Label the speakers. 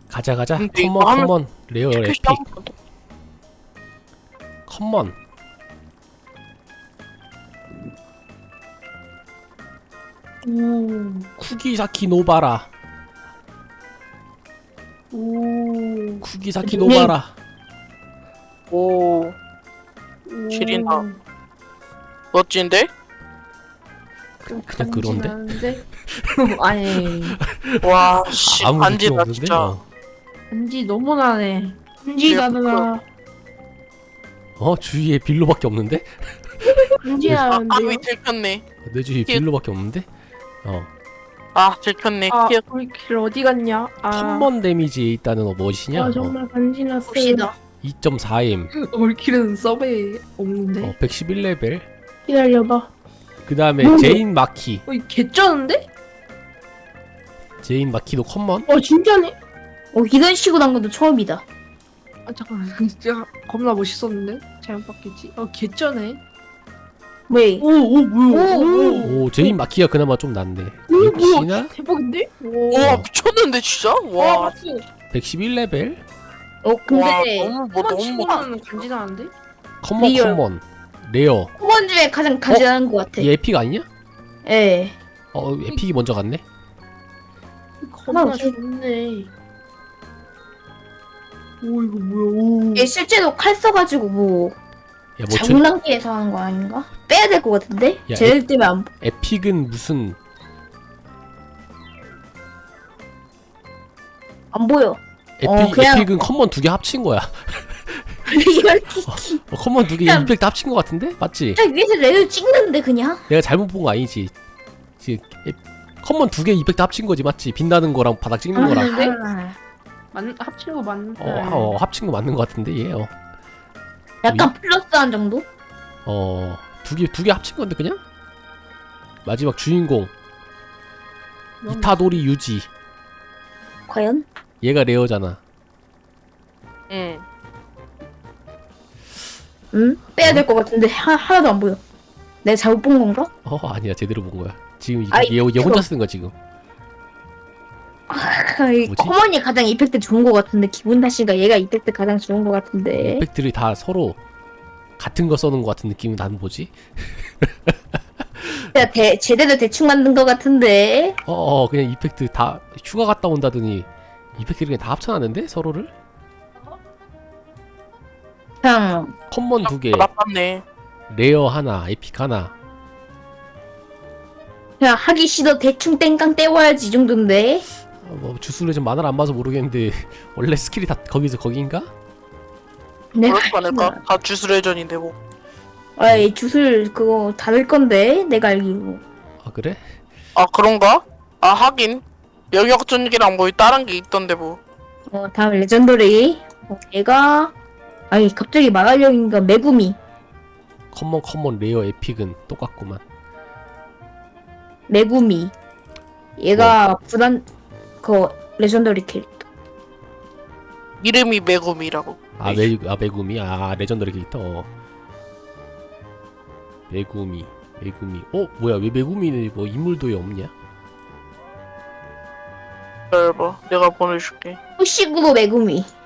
Speaker 1: 가자
Speaker 2: 근데 이거 하면
Speaker 1: 컴먼 레어 에픽 컴먼.
Speaker 3: 오.
Speaker 1: 쿠기사키 노바라.
Speaker 3: 오.
Speaker 1: 쿠기사키 노바라.
Speaker 2: 오 지린다. 멋진데?
Speaker 1: 그냥 그런데?
Speaker 3: 간지나는데? 아니
Speaker 2: 와 씨
Speaker 1: 아무 느낌
Speaker 2: 반지다
Speaker 1: 없는데?
Speaker 2: 진짜.
Speaker 3: 간지 너무 나네. 간지 나더라.
Speaker 1: 주위에 빌로밖에 없는데?
Speaker 3: 간지
Speaker 2: 아
Speaker 3: 나는데요?
Speaker 2: 위 들켰네.
Speaker 1: 내 주위에 빌로밖에 없는데?
Speaker 2: 아 들켰네.
Speaker 3: 아
Speaker 2: 튀어.
Speaker 3: 우리 길 어디 갔냐? 아,
Speaker 1: 컴먼 데미지에 있다는 무엇이냐?
Speaker 3: 아 정말 간지 났어요.
Speaker 4: 봅시다.
Speaker 1: 2.4M.
Speaker 3: 우리 길은 서베이 없는데.
Speaker 1: 111레벨.
Speaker 3: 기다려봐.
Speaker 1: 그 다음에
Speaker 3: 뭐?
Speaker 1: 제인 마키.
Speaker 3: 개쩌는데?
Speaker 1: 제인 마키도 컴먼?
Speaker 3: 진짜네?
Speaker 4: 이런 식으로 한 것도 처음이다.
Speaker 3: 아 잠깐만 진짜 겁나 멋있었는데? 잘못 봤겠지? 개쩌네.
Speaker 4: 왜?
Speaker 3: 오 뭐야?
Speaker 1: 오, 제인 마키가 그나마 좀 낫네.
Speaker 3: 뭐야?
Speaker 1: 역시나
Speaker 3: 대박인데?
Speaker 2: 와 미쳤는데 진짜? 와.
Speaker 3: 봤어.
Speaker 1: 111레벨.
Speaker 4: 근데
Speaker 2: 와 너무 너무
Speaker 3: 치고는 간지 나는데?
Speaker 1: 컴먼
Speaker 4: 리얼.
Speaker 1: 컴먼. 레어.
Speaker 4: 후원 중에 가장 간지나는 것 같아.
Speaker 1: 얘 에픽 아니냐?
Speaker 4: 예.
Speaker 1: 에픽이 먼저 갔네.
Speaker 3: 겁나
Speaker 4: 없어.
Speaker 3: 좋네. 오 이거 뭐야? 오.
Speaker 4: 얘 실제로 칼 써가지고 뭐
Speaker 1: 야, 뭐
Speaker 4: 장난기에서 하는 거 아닌가? 빼야 될 것 같은데?
Speaker 1: 야,
Speaker 4: 쟤들 때문에 안
Speaker 1: 에픽은 무슨
Speaker 4: 보여. 그냥-
Speaker 1: 에픽은 컴먼 두 개 합친 거야.
Speaker 4: 이걸
Speaker 1: 컴먼 두 개
Speaker 4: 그냥-
Speaker 1: 임팩트 합친 거 같은데? 맞지?
Speaker 4: 진짜 위에서 레드 찍는데 그냥?
Speaker 1: 내가 잘못 본 거 아니지? 지금 컴먼 두 개 임팩트 합친 거지, 맞지? 빛나는 거랑 바닥 찍는 거랑.
Speaker 3: 근데?
Speaker 4: 아,
Speaker 3: 합친 거 맞는.
Speaker 1: 합친 거 맞는 거 같은데 얘.
Speaker 4: 약간 플러스한 정도?
Speaker 1: 두 개 합친 건데 그냥? 마지막 주인공 이타도리 유지.
Speaker 4: 과연?
Speaker 1: 얘가 레어잖아.
Speaker 2: 응.
Speaker 4: 응? 빼야 될 것 같은데 하나도 안 보여. 내가 잘못 본 건가?
Speaker 1: 아니야, 제대로 본 거야. 지금
Speaker 4: 아이,
Speaker 1: 얘 혼자 쓰는 거야 지금.
Speaker 4: 이
Speaker 1: 뭐지?
Speaker 4: 커먼이 가장 이펙트 좋은 것 같은데 기분 탓인가 얘가 이펙트 가장 좋은 것 같은데.
Speaker 1: 임팩트를 다 서로 같은 거 써는 거 같은 느낌이 나는 뭐지?
Speaker 4: 내가 제대로 대충 만든 것 같은데.
Speaker 1: 그냥 이펙트 다 휴가 갔다 온다더니 이펙트를 그냥 다 합쳐놨는데 서로를?
Speaker 4: 그냥
Speaker 1: 컴먼 두 개,
Speaker 2: 나빴네.
Speaker 1: 레어 하나, 에픽 하나.
Speaker 4: 그냥 하기 싫어 대충 땡깡 때워야지 이 정도인데.
Speaker 1: 주술을 좀 만화를 안 봐서 모르겠는데 원래 스킬이 다 거기인가?
Speaker 4: 내가
Speaker 2: 그렇지 않을까? 다 주술회전인데 뭐.
Speaker 4: 아이 주술 그거 다를 건데 내가 알기로.
Speaker 1: 아 그래?
Speaker 2: 아 그런가? 아 하긴 영역 전기랑 뭐 다른 게 있던데 뭐.
Speaker 4: 다음 레전더리. 얘가 아니 갑자기 말하려니까 메구미.
Speaker 1: 컴먼 레어 에픽은 똑같구만.
Speaker 4: 메구미. 얘가 불안 그 레전더리 캐릭터.
Speaker 2: 이름이 메구미라고.
Speaker 1: 메구미. 레전더리 캐릭터. 메구미. 뭐야, 왜 메구미는 뭐 인물도에 없냐?
Speaker 2: 기다려봐 내가 보내줄게.
Speaker 4: 후식으로 메구미.